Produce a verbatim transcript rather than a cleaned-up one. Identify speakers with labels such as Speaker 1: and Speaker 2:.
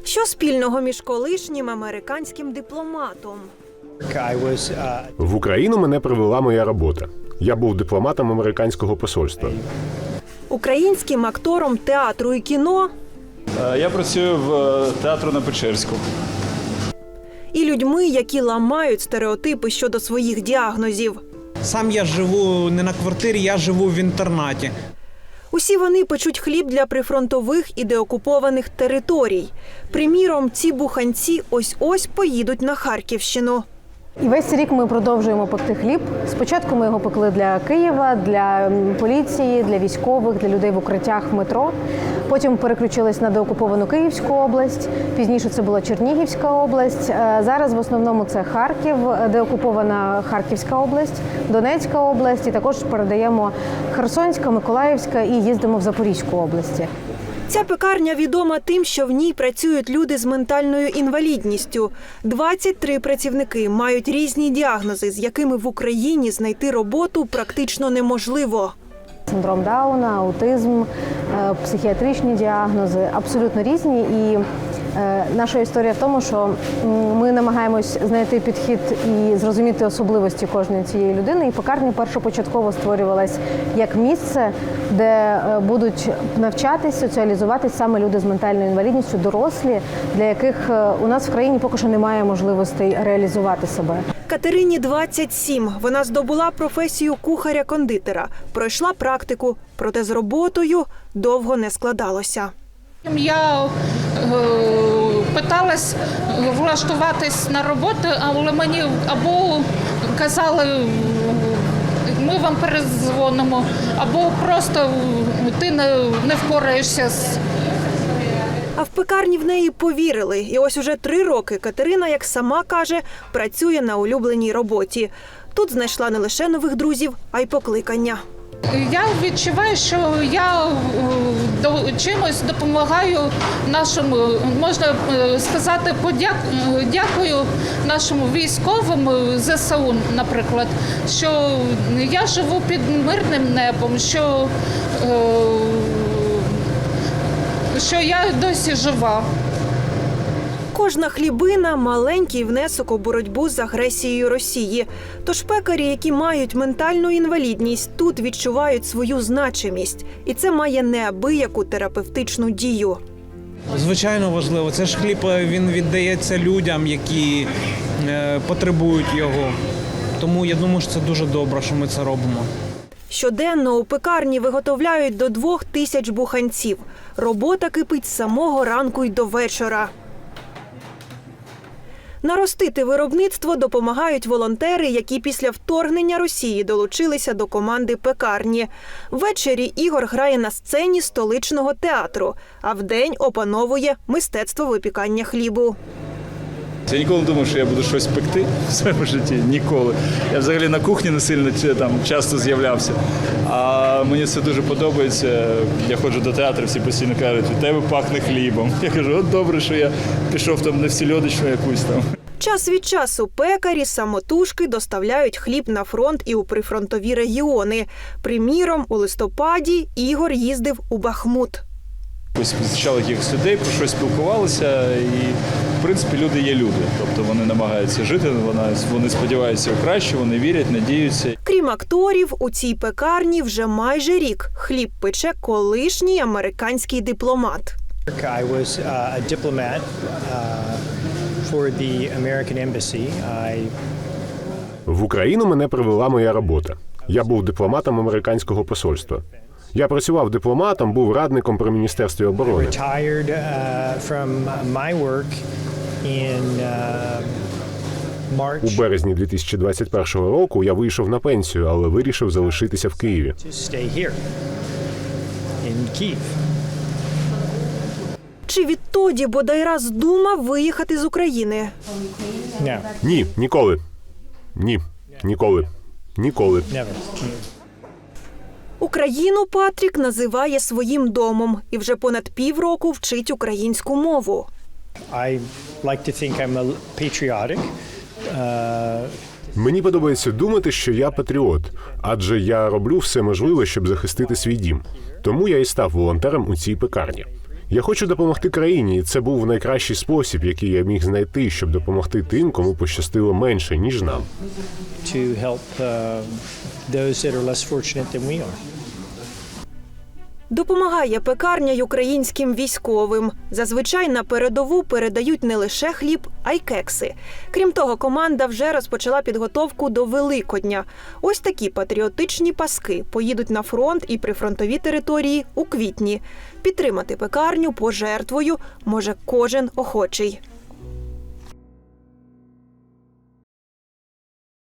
Speaker 1: Що спільного між колишнім американським дипломатом?
Speaker 2: В Україну мене привела моя робота. Я був дипломатом американського посольства.
Speaker 1: Українським актором театру і кіно
Speaker 3: Я працюю в театру на Печерську.
Speaker 1: і людьми, які ламають стереотипи щодо своїх діагнозів.
Speaker 4: Сам я живу не на квартирі, я живу в інтернаті.
Speaker 1: Усі вони печуть хліб для прифронтових і деокупованих територій. Приміром, ці буханці ось-ось поїдуть на Харківщину.
Speaker 5: І весь цей рік ми продовжуємо пекти хліб. Спочатку ми його пекли для Києва, для поліції, для військових, для людей в укриттях в метро. Потім переключились на деокуповану Київську область. Пізніше це була Чернігівська область. Зараз в основному це Харків, деокупована Харківська область, Донецька область. І також передаємо Херсонська, Миколаївська і їздимо в Запорізьку області.
Speaker 1: Ця пекарня відома тим, що в ній працюють люди з ментальною інвалідністю. двадцять три працівники мають різні діагнози, з якими в Україні знайти роботу практично неможливо.
Speaker 5: Синдром Дауна, аутизм, психіатричні діагнози абсолютно різні. І наша історія в тому, що ми намагаємось знайти підхід і зрозуміти особливості кожної цієї людини. І пекарня першопочатково створювалась як місце, де будуть навчатись, соціалізуватись саме люди з ментальною інвалідністю, дорослі, для яких у нас в країні поки що немає можливостей реалізувати себе.
Speaker 1: Катерині двадцять сім. Вона здобула професію кухаря-кондитера, пройшла практику, проте з роботою довго не складалося.
Speaker 6: Я е, питалась влаштуватись на роботу, але мені або казали, ми вам передзвонимо, або просто ти не, не впораєшся з.
Speaker 1: А в пекарні в неї повірили. І ось уже три роки Катерина, як сама каже, працює на улюбленій роботі. Тут знайшла не лише нових друзів, а й покликання.
Speaker 6: Я відчуваю, що я до чимось допомагаю нашому, можна сказати, подяк, дякую нашим військовим ЗСУ, наприклад, що я живу під мирним небом, що, що я досі жива.
Speaker 1: Кожна хлібина – маленький внесок у боротьбу з агресією Росії. Тож пекарі, які мають ментальну інвалідність, тут відчувають свою значимість. І це має неабияку терапевтичну дію.
Speaker 4: Звичайно важливо. Це ж хліб, він віддається людям, які е, потребують його. Тому я думаю, що це дуже добре, що ми це робимо.
Speaker 1: Щоденно у пекарні виготовляють до двох тисяч буханців. Робота кипить з самого ранку й до вечора. Наростити виробництво допомагають волонтери, які після вторгнення Росії долучилися до команди пекарні. Ввечері Ігор грає на сцені столичного театру, а вдень опановує мистецтво випікання хлібу.
Speaker 3: Я ніколи не думав, що я буду щось пекти в своєму житті. Ніколи. Я взагалі на кухні не сильно там часто з'являвся. А мені це дуже подобається. Я ходжу до театру, всі постійно кажуть, у тебе пахне хлібом. Я кажу, от добре, що я пішов там на всільодочну якусь там.
Speaker 1: Час від часу пекарі самотужки доставляють хліб на фронт і у прифронтові регіони. Приміром, у листопаді Ігор їздив у Бахмут.
Speaker 3: Ось зустрічали якихось людей, про щось спілкувалися, і, в принципі, люди є люди. Тобто вони намагаються жити, вони, вони сподіваються у краще, вони вірять, надіються.
Speaker 1: Крім акторів, у цій пекарні вже майже рік хліб пече колишній американський дипломат.
Speaker 7: I was uh, a diplomat uh, for the American embassy. I...
Speaker 2: В Україну мене привела моя робота. Я був дипломатом американського посольства. Я працював дипломатом, був радником при Міністерстві оборони.
Speaker 7: Retired uh, from my work in uh, March.
Speaker 2: У березні дві тисячі двадцять першого року я вийшов на пенсію, але вирішив залишитися в Києві.
Speaker 7: To stay here in Kyiv.
Speaker 1: Чи відтоді бодай раз думав виїхати з України?
Speaker 7: No,
Speaker 2: Ні, ніколи. Ні, ніколи. Ніколи.
Speaker 7: never.
Speaker 1: Україну Патрік називає своїм домом і вже понад півроку вчить українську мову.
Speaker 7: I like to think I'm a patriotic. Uh,
Speaker 2: Мені подобається думати, що я патріот, адже я роблю все можливе, щоб захистити свій дім. Тому я і став волонтером у цій пекарні. Я хочу допомогти країні, і це був найкращий спосіб, який я міг знайти, щоб допомогти тим, кому пощастило менше, ніж нам.
Speaker 7: to help uh, those that are less fortunate than we are.
Speaker 1: Допомагає пекарня й українським військовим. Зазвичай на передову передають не лише хліб, а й кекси. Крім того, команда вже розпочала підготовку до Великодня. Ось такі патріотичні паски поїдуть на фронт і прифронтові території у квітні. Підтримати пекарню пожертвою може кожен охочий.